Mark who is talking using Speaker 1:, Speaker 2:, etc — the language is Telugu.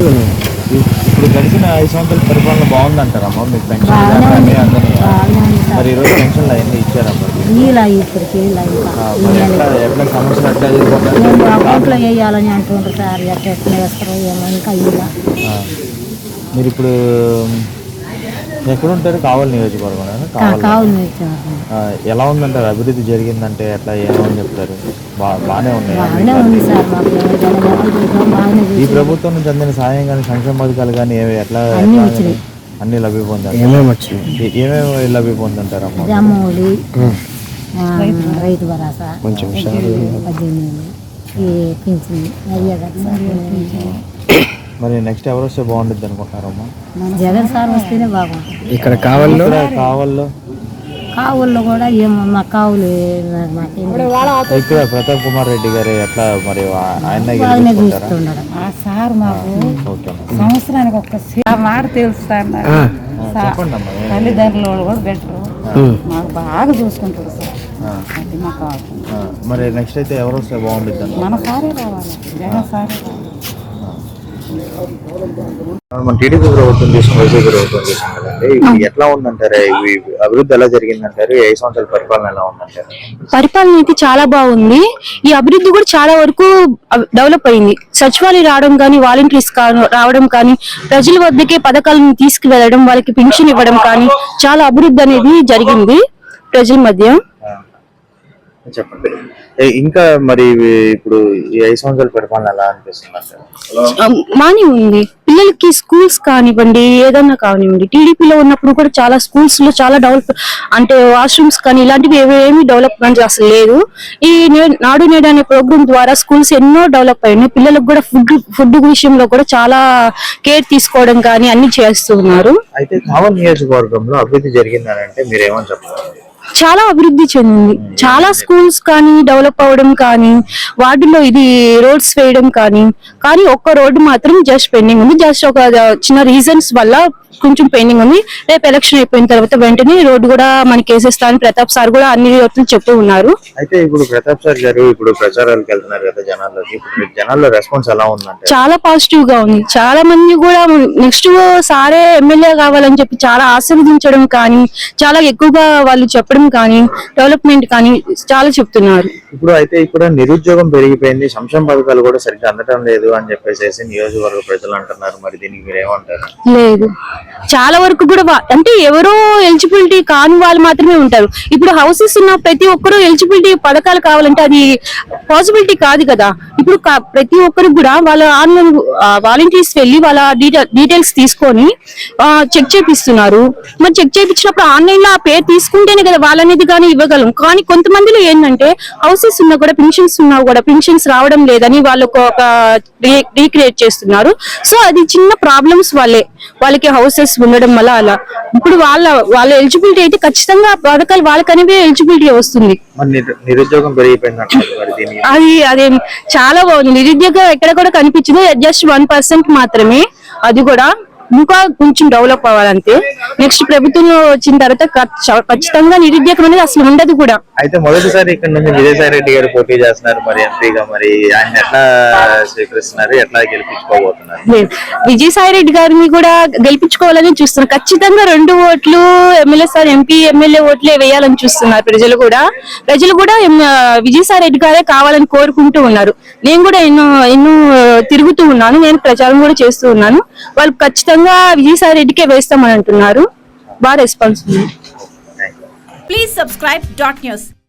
Speaker 1: ఇప్పుడు గడిచిన 5 సంవత్సరాల పరిపాలన బాగుందంటారమ్మా? మీకు పెన్షన్ అన్నీ అందినాయా? మరి ఈరోజు పెన్షన్లు అవన్నీ ఇచ్చారమ్మా? మరి ఎట్లా సమస్యలు ఎట్లా
Speaker 2: అకౌంట్లో వేయాలని అంటుండ్రు సార్, ఎట్లా వేస్తారో ఏమో ఇంకా ఇలా.
Speaker 1: మీరు ఇప్పుడు ఎక్కడ ఉంటారు? కావాలి నియోజకవర్గం. ఎలా ఉందంటారు? అభివృద్ధి జరిగిందంటే ఎట్లా ఏమని చెప్తారు? బాగానే ఉన్నాయి. ఈ ప్రభుత్వం నుంచి అందిన సాయం కానీ సంక్షేమ పథకాలు కానీ ఎట్లా అన్ని లభ్య పొందారు? ఏమేమి లభ్య పొందుంటారమ్మా?
Speaker 2: రైతు భరోసా,
Speaker 1: మరి నెక్స్ట్ ఎవరు వస్తే బాగుంటుంది అనుకుంటున్నారమ్మా?
Speaker 2: జగన్ సార్ వస్తేనే బాగుంటుంది.
Speaker 1: ఇక్కడ కావల్లో
Speaker 2: కూడా ఏమో మా కావులు
Speaker 1: ఇక్కడ ప్రతాప్ కుమార్ రెడ్డి గారు ఎట్లా మరి ఆయన
Speaker 2: సార్ మాకు సంవత్సరానికి ఒక్క మాట తెలుస్తాను. తల్లిదండ్రులు కూడా బెటర్, మాకు బాగా చూసుకుంటారు సార్. అది మాకు
Speaker 1: మరి నెక్స్ట్ అయితే ఎవరు వస్తే బాగుంటుంది?
Speaker 2: మన సారే రావాలి, జగన్ సారే రావాలి.
Speaker 1: మన టీడీపీ ప్రభుత్వం తీసుకుని వైసీపీ ప్రభుత్వం తీసుకుని కదండి, ఇప్పుడు ఎట్లా ఉందంటారు? అభివృద్ధి ఎలా జరిగిందంటారు? 5 సంవత్సరాల పరిపాలన ఎలా ఉందంటారు?
Speaker 3: పరిపాలన అయితే చాలా బాగుంది. ఈ అభివృద్ధి కూడా చాలా వరకు డెవలప్ అయింది. సచివాలయం రావడం కానీ, వాలంటీర్స్ రావడం కానీ, ప్రజల వద్దకే పథకాలను తీసుకువెళ్ళడం, వాళ్ళకి పెన్షన్ ఇవ్వడం కానీ చాలా అభివృద్ధి అనేది జరిగింది ప్రజల మధ్య.
Speaker 1: చెప్పండి. ఇంకా మరి ఇప్పుడు ఈ 5 సంవత్సరాల పరిపాలన ఎలా అనిపిస్తుంది?
Speaker 3: బానే ఉంది. పిల్లలకి స్కూల్స్ కానివ్వండి, ఏదన్నా కానివ్వండి, టీడీపీలో ఉన్నప్పుడు కూడా చాలా స్కూల్స్ లో చాలా డెవలప్, అంటే వాష్రూమ్స్ కానీ ఇలాంటివి ఏమీ డెవలప్మెంట్ అసలు లేదు. ఈ నాడు నేడు అనే ప్రోగ్రామ్ ద్వారా స్కూల్స్ ఎన్నో డెవలప్ అయ్యాయి. పిల్లలకు కూడా ఫుడ్ విషయంలో కూడా చాలా కేర్ తీసుకోవడం కానీ అన్ని చేస్తున్నారు.
Speaker 1: అయితే కావలి నియోజకవర్గంలో అభివృద్ధి జరిగిందని అంటే మీరు ఏమని చెప్తారు?
Speaker 3: చాలా అభివృద్ధి చెందింది. చాలా స్కూల్స్ కానీ డెవలప్ అవ్వడం కానీ, వాటిలో ఇది రోడ్స్ వేయడం కానీ ఒక్క రోడ్డు మాత్రం జస్ట్ పెండింగ్ ఉంది. జస్ట్ ఒక చిన్న రీజన్స్ వల్ల కొంచెం పెండింగ్ ఉంది. రేపు ఎలక్షన్ అయిపోయిన తర్వాత వెంటనే రోడ్డు కూడా మనకి వేసేస్తాను ప్రతాప్ సార్ కూడా అన్ని రోజులు చెప్తూ ఉన్నారు.
Speaker 1: అయితే ఇప్పుడు ప్రతాప్ సార్ గారు ఇప్పుడు ప్రచారాలకు వెళ్తున్నారు కదా జనాల్లోకి, ఇప్పుడు జనాల్లో రెస్పాన్స్ ఎలా ఉందంటే?
Speaker 3: చాలా పాజిటివ్ గా ఉంది. చాలా మంది కూడా నెక్స్ట్ సారే ఎమ్మెల్యే కావాలని చెప్పి చాలా ఆశీర్వదించడం కానీ, చాలా ఎక్కువగా వాళ్ళు చెప్పడం కానీ, డెవలప్మెంట్ కానీ చాలా చెప్తున్నారు.
Speaker 1: ఇప్పుడు అయితే ఇక్కడ నిరుద్యోగం పెరిగిపోయింది, సంక్షేమ పథకాలు కూడా సరిగ్గా అందటం లేదు అని చెప్పేసి నియోజకవర్గ ప్రజలు అంటున్నారు. మరి దీనికి మీరు ఏమంటారు?
Speaker 3: లేదు, చాలా వరకు కూడా అంటే ఎవరో ఎలిజిబిలిటీ కాని వాళ్ళు మాత్రమే ఉంటారు. ఇప్పుడు హౌసెస్ ఉన్న ప్రతి ఒక్కరు ఎలిజిబిలిటీ పథకాలు కావాలంటే అది పాసిబిలిటీ కాదు కదా. ఇప్పుడు ప్రతి ఒక్కరికి కూడా వాళ్ళ ఆన్లైన్ వాలంటీర్స్ వెళ్ళి వాళ్ళ డీటెయిల్స్ తీసుకొని చెక్ చేపిస్తున్నారు. మరి చెక్ చేయించినప్పుడు ఆన్లైన్ లో ఆ పేరు తీసుకుంటేనే కదా వాళ్ళనేది కానీ ఇవ్వగలం. కానీ కొంతమందిలో ఏంటంటే హౌసెస్ ఉన్నా కూడా పెన్షన్స్ ఉన్నా కూడా పెన్షన్స్ రావడం లేదని వాళ్ళకు ఒక రీక్రియేట్ చేస్తున్నారు. సో అది చిన్న ప్రాబ్లమ్స్ వాళ్ళకి హౌసెస్ ఉండడం వల్ల అలా. ఇప్పుడు వాళ్ళ ఎలిజిబిలిటీ అయితే ఖచ్చితంగా పథకాలు వాళ్ళకనేవి ఎలిజిబిలిటీ వస్తుంది.
Speaker 1: నిరుద్యోగం
Speaker 3: అదే చాలా బాగుంది. నిరుద్యోగం ఎక్కడ కూడా కనిపించింది, జస్ట్ 1% మాత్రమే. అది కూడా ఇంకా కొంచెం డెవలప్ అవ్వాలంటే నెక్స్ట్ ప్రభుత్వంలో వచ్చిన తర్వాత ఖచ్చితంగా నిరుద్యోగం అనేది అసలు ఉండదు కూడా.
Speaker 1: అయితే మొదటిసారి ఇక్కడ నుంచి విజయసాయి రెడ్డి గారు పోటీ చేస్తున్నారు మరి ఎంపీగా, మరి ఆయన ఎట్లా స్వీకరిస్తున్నారు, ఎట్లా గెలిపించుకోబోతున్నారు?
Speaker 3: విజయసాయి రెడ్డి గారిని కూడా గెలిపించుకోవాలని చూస్తున్నారు. ఖచ్చితంగా 2 ఓట్లు ఎమ్మెల్యే సార్ ఎంపీ ఎమ్మెల్యే ఓట్లే వేయాలని చూస్తున్నారు ప్రజలు కూడా విజయసాయి రెడ్డి గారే కావాలని కోరుకుంటూ ఉన్నారు. నేను కూడా ఎన్నో తిరుగుతూ ఉన్నాను, నేను ప్రచారం కూడా చేస్తూ ఉన్నాను. వాళ్ళు ఖచ్చితంగా విజయసాయి రెడ్డికే వేస్తామని అంటున్నారు. బాగా రెస్పాన్స్ ఉంది.
Speaker 4: Please subscribe .news.